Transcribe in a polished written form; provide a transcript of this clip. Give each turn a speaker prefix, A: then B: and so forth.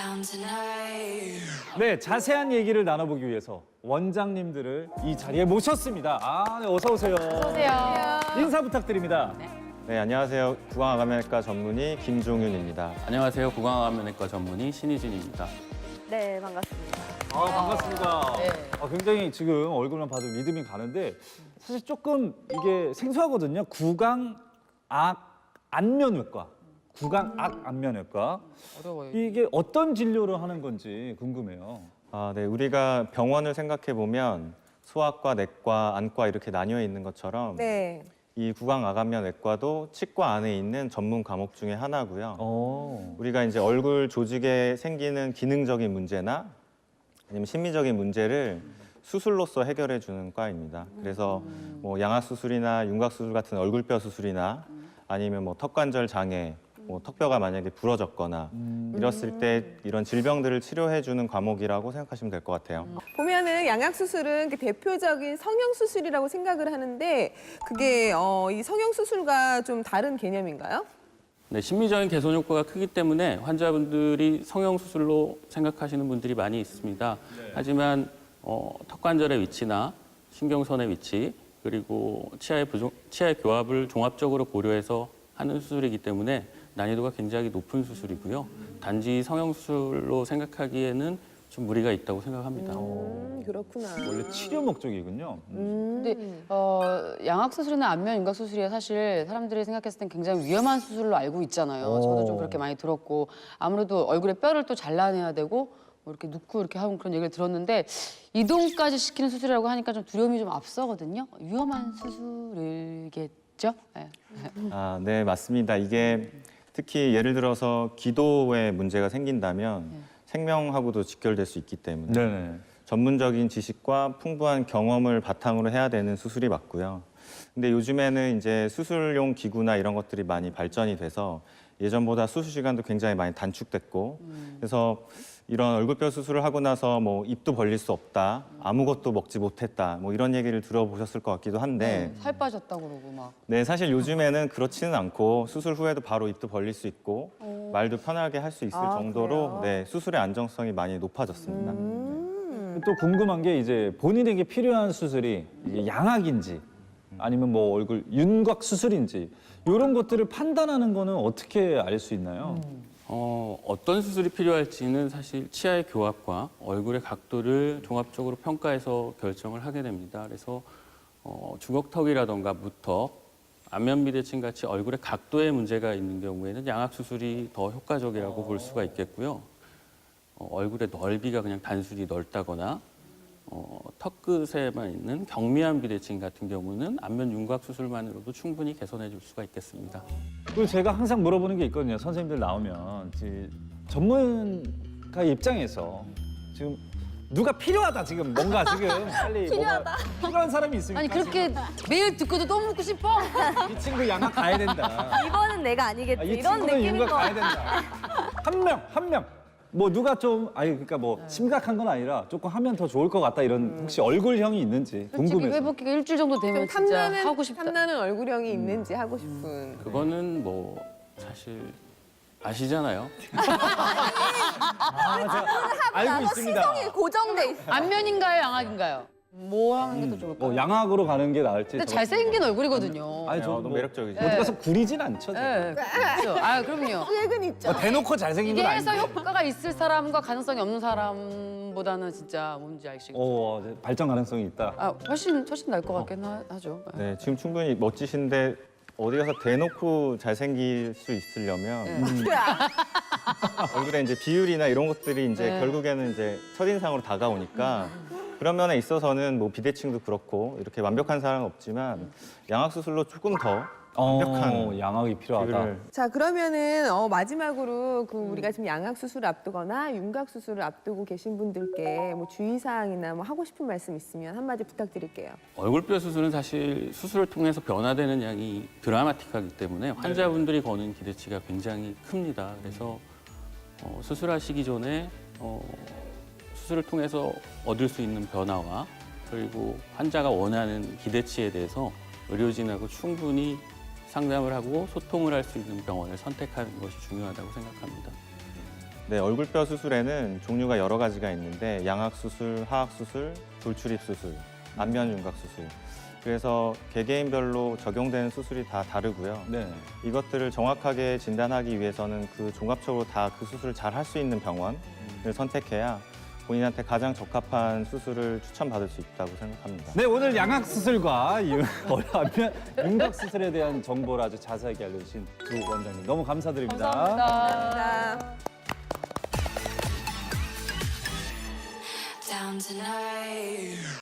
A: 네, 자세한 얘기를 나눠보기 위해서 원장님들을 이 자리에 모셨습니다. 아, 네, 어서 오세요.
B: 어서오세요.
A: 인사 부탁드립니다.
C: 네, 안녕하세요. 구강암면외과 전문의 김종윤입니다.
D: 안녕하세요. 구강암면외과 전문의 신희진입니다.
B: 네, 반갑습니다.
A: 아, 반갑습니다.
B: 네.
A: 굉장히 지금 얼굴만 봐도 믿음이 가는데 사실 조금 이게 생소하거든요. 구강암면외과. 구강암면외과.
B: 어려워요.
A: 이게 어떤 진료를 하는 건지 궁금해요.
C: 네, 우리가 병원을 생각해 보면 소아과, 내과, 안과 이렇게 나뉘어 있는 것처럼
E: 네.
C: 이 구강암면외과도 치과 안에 있는 전문 과목 중에 하나고요. 우리가 이제 얼굴 조직에 생기는 기능적인 문제나 아니면 심미적인 문제를 수술로서 해결해 주는 과입니다. 그래서 뭐 양악 수술이나 윤곽 수술 같은 얼굴뼈 수술이나 아니면 뭐 턱관절 장애, 뭐 턱뼈가 만약에 부러졌거나 이랬을 때 이런 질병들을 치료해 주는 과목이라고 생각하시면 될 것 같아요.
E: 보면은 양악 수술은 그 대표적인 성형 수술이라고 생각을 하는데 그게 이 성형 수술과 좀 다른 개념인가요?
D: 네, 심미적인 개선 효과가 크기 때문에 환자분들이 성형수술로 생각하시는 분들이 많이 있습니다. 하지만 턱관절의 위치나 신경선의 위치 그리고 치아의 교합을 종합적으로 고려해서 하는 수술이기 때문에 난이도가 굉장히 높은 수술이고요. 단지 성형수술로 생각하기에는 좀 무리가 있다고 생각합니다.
E: 그렇구나.
A: 원래 치료 목적이군요.
B: 근데 양악 수술이나 안면 윤곽 수술이 사실 사람들이 생각했을 땐 굉장히 위험한 수술로 알고 있잖아요. 저도 좀 그렇게 많이 들었고 아무래도 얼굴에 뼈를 또 잘라내야 되고 뭐 이렇게 눕고 이렇게 하는 그런 얘기를 들었는데 이동까지 시키는 수술이라고 하니까 좀 두려움이 좀 앞서거든요. 위험한 수술이겠죠? 네.
C: 네, 맞습니다. 이게 특히 예를 들어서 기도에 문제가 생긴다면 생명하고도 직결될 수 있기 때문에
A: 네네.
C: 전문적인 지식과 풍부한 경험을 바탕으로 해야 되는 수술이 맞고요. 근데 요즘에는 이제 수술용 기구나 이런 것들이 많이 발전이 돼서 예전보다 수술 시간도 굉장히 많이 단축됐고 그래서 이런 얼굴뼈 수술을 하고 나서 뭐 입도 벌릴 수 없다, 아무것도 먹지 못했다, 뭐 이런 얘기를 들어보셨을 것 같기도 한데
B: 살 빠졌다고 그러고 막.
C: 네, 사실 요즘에는 그렇지는 않고 수술 후에도 바로 입도 벌릴 수 있고 말도 편하게 할 수 있을 정도로
E: 그래요?
C: 네, 수술의 안정성이 많이 높아졌습니다.
A: 또 궁금한 게 이제 본인에게 필요한 수술이 이게 양악인지 아니면 뭐 얼굴 윤곽 수술인지 이런 것들을 판단하는 거는 어떻게 알 수 있나요?
D: 어떤 수술이 필요할지는 사실 치아의 교합과 얼굴의 각도를 종합적으로 평가해서 결정을 하게 됩니다. 그래서 주걱턱이라던가 무턱, 안면 비대칭 같이 얼굴의 각도에 문제가 있는 경우에는 양악 수술이 더 효과적이라고 볼 수가 있겠고요. 얼굴의 넓이가 그냥 단순히 넓다거나 턱 끝에만 있는 경미한 비대칭 같은 경우는 안면 윤곽 수술만으로도 충분히 개선해 줄 수가 있겠습니다.
A: 그리고 제가 항상 물어보는 게 있거든요. 선생님들 나오면 전문가 입장에서 지금 누가 필요하다 지금 뭔가 지금 빨리 필요하다. 필요한 사람이 있습니까?
B: 아니 그렇게 매일 듣고도 또 묻고 싶어?
A: 지금 이 친구 양악 가야 된다.
F: 이번은 내가 아니겠지.
A: 이
F: 이런
A: 친구는
F: 느낌인
A: 윤곽
F: 거.
A: 가야 된다. 한 명. 뭐 누가 좀 그러니까 뭐 심각한 건 아니라 조금 하면 더 좋을 것 같다 이런 혹시 얼굴형이 있는지
B: 솔직히
A: 궁금해서.
B: 회복기가 일주일 정도 되면
E: 좀
B: 진짜
E: 탐나는
B: 하고 싶다.
E: 탐나는 얼굴형이 있는지 하고 싶은.
D: 그거는 뭐 사실 아시잖아요.
A: 알고 있습니다.
F: 시선이 고정돼 있어.
B: 안면인가요, 양악인가요? 뭐 하는 게 더 좋을까요?
A: 양악으로 가는 게 나을지.
B: 근데 잘생긴 얼굴이거든요.
A: 아니 저
C: 너무 매력적이죠.
A: 어디 가서 구리진 않죠.
B: 네, 그렇죠. 아, 그럼요.
E: 계획은 있죠.
A: 대놓고 잘생긴
B: 이게
A: 건
B: 해서
A: 아닌데.
B: 효과가 있을 사람과 가능성이 없는 사람보다는 진짜 뭔지 알시겠죠?
A: 발전 가능성이 있다.
B: 훨씬 나을 것 같긴 하죠.
C: 네, 지금 충분히 멋지신데 어디 가서 대놓고 잘생길 수 있으려면 얼굴에 이제 비율이나 이런 것들이 이제
B: 네.
C: 결국에는 이제 첫인상으로 다가오니까 그런 면에 있어서는 뭐 비대칭도 그렇고 이렇게 완벽한 사람은 없지만 양악 수술로 조금 더 완벽한
A: 양악이 필요하다.
C: 비율을
E: 자, 그러면은 마지막으로 우리가 지금 양악 수술을 앞두거나 윤곽 수술을 앞두고 계신 분들께 뭐 주의사항이나 뭐 하고 싶은 말씀 있으면 한마디 부탁드릴게요.
D: 얼굴뼈 수술은 사실 수술을 통해서 변화되는 양이 드라마틱하기 때문에 환자분들이 거는 기대치가 굉장히 큽니다. 그래서 수술하시기 전에 수술을 통해서 얻을 수 있는 변화와 그리고 환자가 원하는 기대치에 대해서 의료진하고 충분히 상담을 하고 소통을 할 수 있는 병원을 선택하는 것이 중요하다고 생각합니다.
C: 네, 얼굴뼈 수술에는 종류가 여러 가지가 있는데 양악 수술, 하악 수술, 돌출입 수술, 안면 윤곽 수술. 그래서 개개인별로 적용되는 수술이 다 다르고요.
A: 네.
C: 이것들을 정확하게 진단하기 위해서는 그 종합적으로 다 그 수술을 잘 할 수 있는 병원을 선택해야 본인한테 가장 적합한 수술을 추천받을 수 있다고 생각합니다.
A: 네, 오늘 양악 수술과 안면 윤곽 수술에 대한 정보를 아주 자세하게 알려주신 두 원장님 너무 감사드립니다.
B: 감사합니다.
E: 자.
G: down tonight.